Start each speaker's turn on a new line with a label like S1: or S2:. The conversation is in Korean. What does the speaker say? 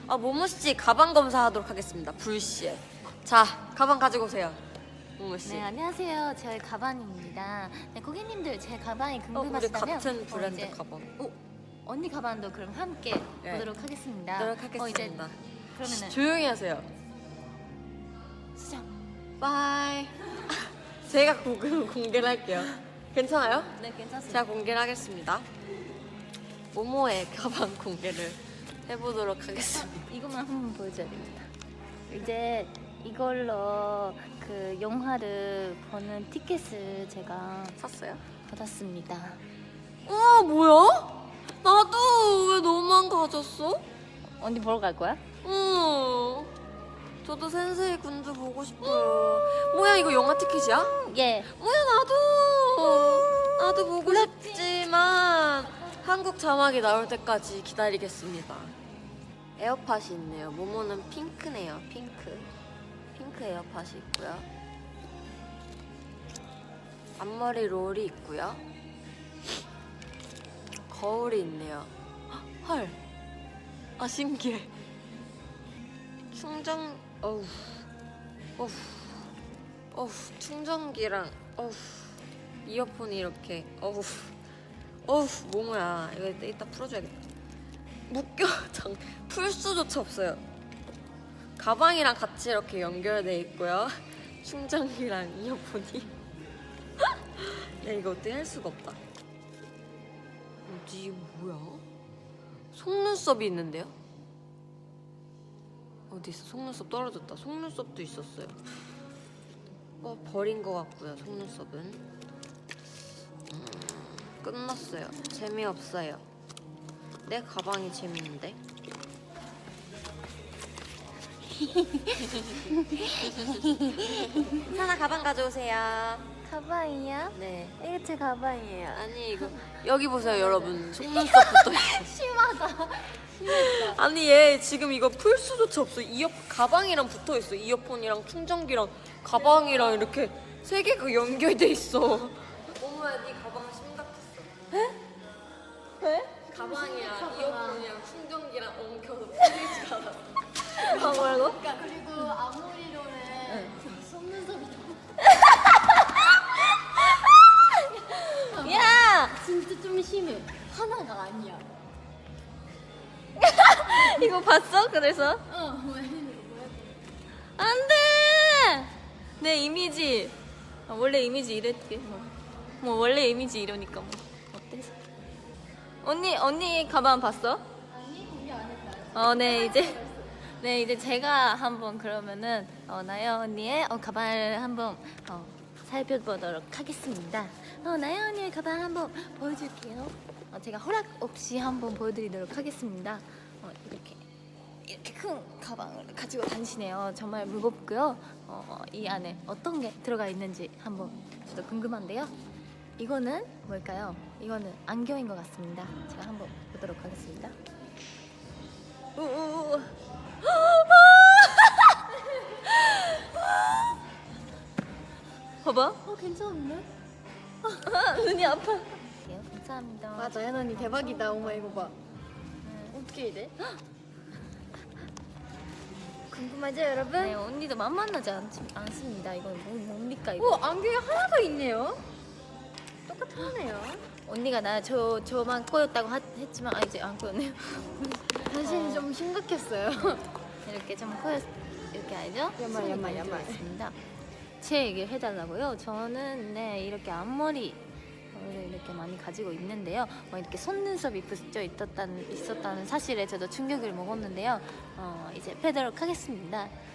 S1: 모모씨 가방 검사하도록 하겠습니다. 불시에. 자, 가방 가지고 오세요. 모모씨.
S2: 네, 안녕하세요. 저희 가방입니다. 네, 고객님들 제 가방이
S1: 우리
S2: 궁금하시다면
S1: 같은 브랜드
S2: 이제-
S1: 가방.
S2: 언니 가방도 그럼 함께
S1: 네.
S2: 보도록 하겠습니다.
S1: 노력하겠습니다.
S2: 그러면은
S1: 조용히 하세요.
S2: 수정.
S1: 바이. 제가 공개를 할게요. 괜찮아요?
S2: 네, 괜찮습니다.
S1: 제가 공개를 하겠습니다. 모모의 가방 공개를 해보도록 하겠습니다.
S2: 이것만 한번 보여줘야 됩니다. 이제 이걸로 그 영화를 보는 티켓을 제가
S1: 샀어요?
S2: 받았습니다.
S1: 우와, 뭐야? 나도 왜 너만 가졌어?
S2: 언니 보러 갈 거야?
S1: 저도 센세이 군주 보고 싶어요. 뭐야, 이거 영화 티켓이야?
S2: 예.
S1: 뭐야, 나도 보고 싶지만 한국 자막이 나올 때까지 기다리겠습니다. 에어팟이 있네요. 모모는 핑크네요. 핑크 에어팟이 있고요. 앞머리 롤이 있고요. 거울이 있네요. 헐. 신기해. 충전 충전기랑 이어폰이 이렇게 모모야, 이거 이따 풀어줘야겠다. 풀 수조차 없어요. 가방이랑 같이 이렇게 연결돼 있고요. 충전기랑 이어폰이. 네, 이거 어떻게 할 수가 없다. 이게 뭐야? 속눈썹이 있는데요? 어디 있어? 속눈썹 떨어졌다. 속눈썹도 있었어요. 버린 것 같고요. 속눈썹은 끝났어요. 재미없어요. 내 가방이 재밌는데. 하나 가방 가져오세요.
S2: 가방이야?
S1: 네.
S2: 이거 제 가방이에요.
S1: 아니, 이거 여기 보세요, 여러분. 속눈썹 붙어있어.
S2: 심하다.
S1: 아니, 얘 지금 이거 풀 수조차 없어. 가방이랑 붙어있어. 이어폰이랑 충전기랑 가방이랑 이렇게 세 개가 연결돼 있어. 어머야, 네 가방 심각했어. 에?
S2: 왜?
S1: 가방이랑 이어폰이랑 충전기랑 엉켜서 풀리지가 않았어.
S2: 뭐라고?
S3: 그리고 앞머리로는 속눈썹이
S2: 야!
S3: 진짜 좀 심해. 하나가 아니야.
S2: 이거 봤어? 그래서?
S3: 뭐야?
S2: 안 돼! 내 이미지. 원래 이미지 이랬지. 뭐 원래 이미지 이러니까 뭐. 어때? 언니 가방 봤어?
S3: 아니 공개 안 했다.
S2: 네, 이제 제가 한번 그러면은 나연 언니의 가방을 한번 살펴보도록 하겠습니다. 나연 언니의 가방 한번 보여줄게요. 제가 허락 없이 한번 보여드리도록 하겠습니다. 이렇게 큰 가방을 가지고 다니시네요. 정말 무겁고요. 이 안에 어떤 게 들어가 있는지 한번 저도 궁금한데요. 이거는 뭘까요? 이거는 안경인 것 같습니다. 제가 한번 보도록 하겠습니다. 봐봐.
S3: 괜찮은데?
S2: 눈이 아파. 감사합니다.
S3: 맞아, 혜언니 대박이다. 엄마 이거 봐. 어떻게 이래? 궁금하죠, 여러분?
S2: 네, 언니도 만만하지 않습니다. 이건 뭡니까 이거?
S3: 안경에 하나가 있네요. 똑같네요.
S2: 언니가 저만 꼬였다고 했지만 이제 안 꼬였네요.
S3: 사실 좀 심각했어요.
S2: 이렇게 좀 꼬였 이렇게 알죠?
S3: 야말,
S2: 손이
S3: 야말,
S2: 많이
S3: 야말.
S2: 들어있습니다. 제 얘기를 해달라고요. 저는 이렇게 앞머리 이렇게 많이 가지고 있는데요. 이렇게 속눈썹이 붙여 있었다는 사실에 저도 충격을 먹었는데요. 이제 빼도록 하겠습니다.